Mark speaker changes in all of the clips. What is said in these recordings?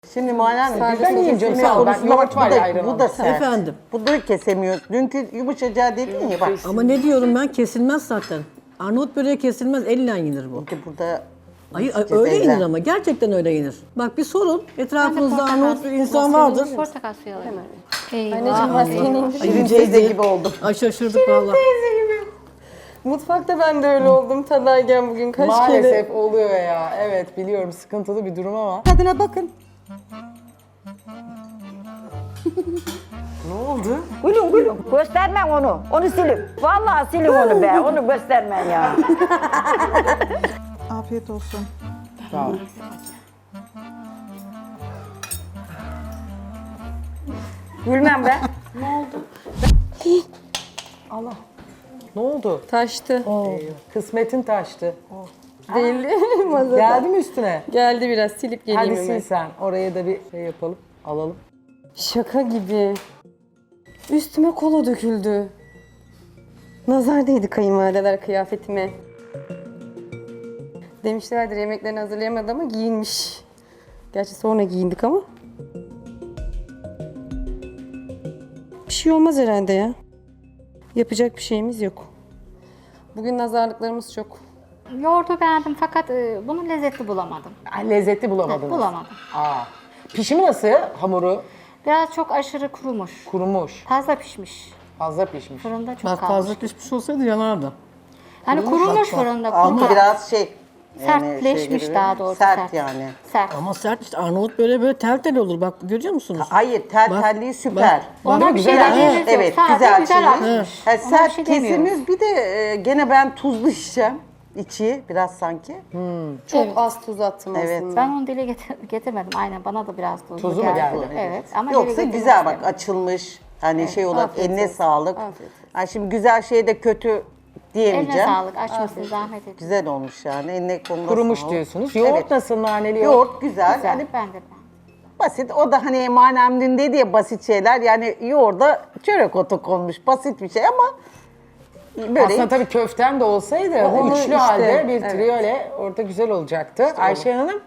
Speaker 1: Şimdi Muharrem
Speaker 2: Sadece
Speaker 1: ben yiyeyim canım sağ ol. Ben yoğurt var ya ayran
Speaker 3: Bu da sert.
Speaker 4: Efendim?
Speaker 3: Bu da kesemiyoruz. Dünkü yumuşacağı dedin ya bak.
Speaker 4: Ama ne diyorum ben, kesilmez zaten. Arnavut böreği kesilmez, elle yenir bu.
Speaker 3: Burada
Speaker 4: Hayır öyle yenir ama, gerçekten öyle yenir. Bak bir sorun, etrafınızda Arnavut bir insan vardır.
Speaker 5: Portakal suyu alayım.
Speaker 2: Anneciğim maskeni indir.
Speaker 3: Şirin teyze gibi oldum.
Speaker 4: Ay şaşırdık valla.
Speaker 2: Mutfakta ben de öyle oldum tadayken bugün kaç kere.
Speaker 1: Maalesef oluyor ya. Evet biliyorum sıkıntılı bir durum ama.
Speaker 3: Tadına bakın.
Speaker 1: Ne oldu?
Speaker 6: Gülün gülün. Göstermem onu. Onu silin. Vallahi silin onu be. Onu göstermem ya.
Speaker 7: Afiyet olsun.
Speaker 1: Sağ ol.
Speaker 6: Gülmem be.
Speaker 1: Ne oldu?
Speaker 2: Taştı.
Speaker 1: Kısmetin taştı.
Speaker 2: Değildi masada.
Speaker 1: Geldi mi üstüne?
Speaker 2: Geldi biraz silip geleyim
Speaker 1: Hadi sil
Speaker 2: hemen.
Speaker 1: sen. Oraya da bir şey yapalım. Alalım.
Speaker 2: Şaka gibi. Üstüme kola döküldü. Nazar değdi kayınvalideler kıyafetime. Demişlerdir yemeklerini hazırlayamadı ama giyinmiş. Gerçi sonra giyindik ama. Bir şey olmaz herhalde ya. Yapacak bir şeyimiz yok. Bugün nazarlıklarımız çok.
Speaker 5: Yoğurdu beğendim fakat bunu lezzetli bulamadım.
Speaker 1: Lezzetli bulamadınız.
Speaker 5: Bulamadım.
Speaker 1: Aa. Pişimi nasıl hamuru?
Speaker 5: Biraz çok aşırı kurumuş.
Speaker 1: Kurumuş.
Speaker 5: Fazla pişmiş.
Speaker 1: Fazla pişmiş.
Speaker 5: Fırında çok
Speaker 4: Bak
Speaker 5: kalmış.
Speaker 4: fazla pişmiş olsaydı yanardı.
Speaker 5: Hani kurumuş fırında.
Speaker 3: Altı
Speaker 5: kuru-
Speaker 3: biraz şey.
Speaker 5: sertleşmiş
Speaker 3: gibi,
Speaker 5: daha doğrusu.
Speaker 3: Sert yani.
Speaker 5: Sert.
Speaker 4: Ama sert işte, Arnavut böreği böyle tel tel olur, bak görüyor musunuz?
Speaker 3: Hayır telliği süper.
Speaker 5: Ona bir şey
Speaker 1: güzel.
Speaker 5: dediğimiz yok.
Speaker 3: Evet
Speaker 5: Sadece
Speaker 3: güzel,
Speaker 5: güzel
Speaker 3: şey.
Speaker 5: akmış.
Speaker 3: Ha,
Speaker 5: Ona bir
Speaker 3: sert
Speaker 5: şey demiyoruz.
Speaker 3: kesimiz bir de gene ben tuzlu içeceğim. İçi biraz sanki.
Speaker 2: Çok az tuz attım
Speaker 3: Evet.
Speaker 2: aslında.
Speaker 5: Ben onu dile getirmedim. Aynen bana da biraz tuzlu
Speaker 1: Tuzu mu geldi?
Speaker 5: Evet. Ama dile
Speaker 3: Yoksa
Speaker 5: getirmek
Speaker 3: güzel bak
Speaker 5: istemedim.
Speaker 3: açılmış. Hani şey olarak
Speaker 2: Afiyet
Speaker 3: eline
Speaker 2: olsun.
Speaker 3: sağlık.
Speaker 2: Afiyet
Speaker 3: Ha, şimdi güzel şeye de kötü
Speaker 5: Eline
Speaker 3: diyemeyeceğim.
Speaker 5: sağlık. Açmasın zahmet edin.
Speaker 3: Güzel olmuş yani. Eline koluna
Speaker 1: Kurumuş
Speaker 3: sağlık.
Speaker 1: diyorsunuz. Yoğurt
Speaker 3: Evet.
Speaker 1: nasıl naneli yoğurt?
Speaker 3: Yoğurt güzel.
Speaker 5: Güzel.
Speaker 3: Yani
Speaker 5: Ben de
Speaker 3: basit. O da hani Manem dün dedi ya basit şeyler. Yani yoğurda çörek otu konmuş. Basit bir şey ama böyle
Speaker 1: Aslında tabii köften de olsaydı bu
Speaker 2: Onu
Speaker 1: üçlü
Speaker 2: işte,
Speaker 1: halde bir
Speaker 2: evet.
Speaker 1: triyole orada güzel olacaktı. Ayşe Hanım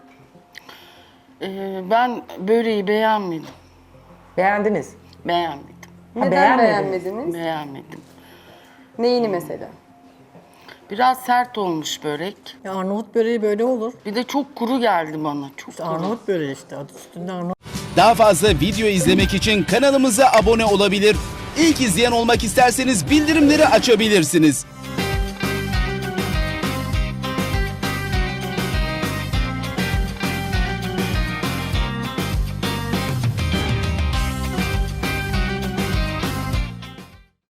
Speaker 8: Ben böreği beğenmedim.
Speaker 1: beğendiniz.
Speaker 8: Beğenmedim.
Speaker 2: Neden
Speaker 1: beğenmediniz?
Speaker 2: beğenmediniz?
Speaker 8: Beğenmedim.
Speaker 2: Neyini mesela?
Speaker 8: Biraz sert olmuş börek.
Speaker 4: Ya Arnavut böreği böyle olur.
Speaker 8: Bir de çok kuru geldi bana. Çok
Speaker 4: İşte
Speaker 8: kuru.
Speaker 4: Arnavut böreği işte, adı üstünde Arnavut.
Speaker 9: Daha fazla video izlemek için kanalımıza abone olabilir. İlk izleyen olmak isterseniz bildirimleri açabilirsiniz.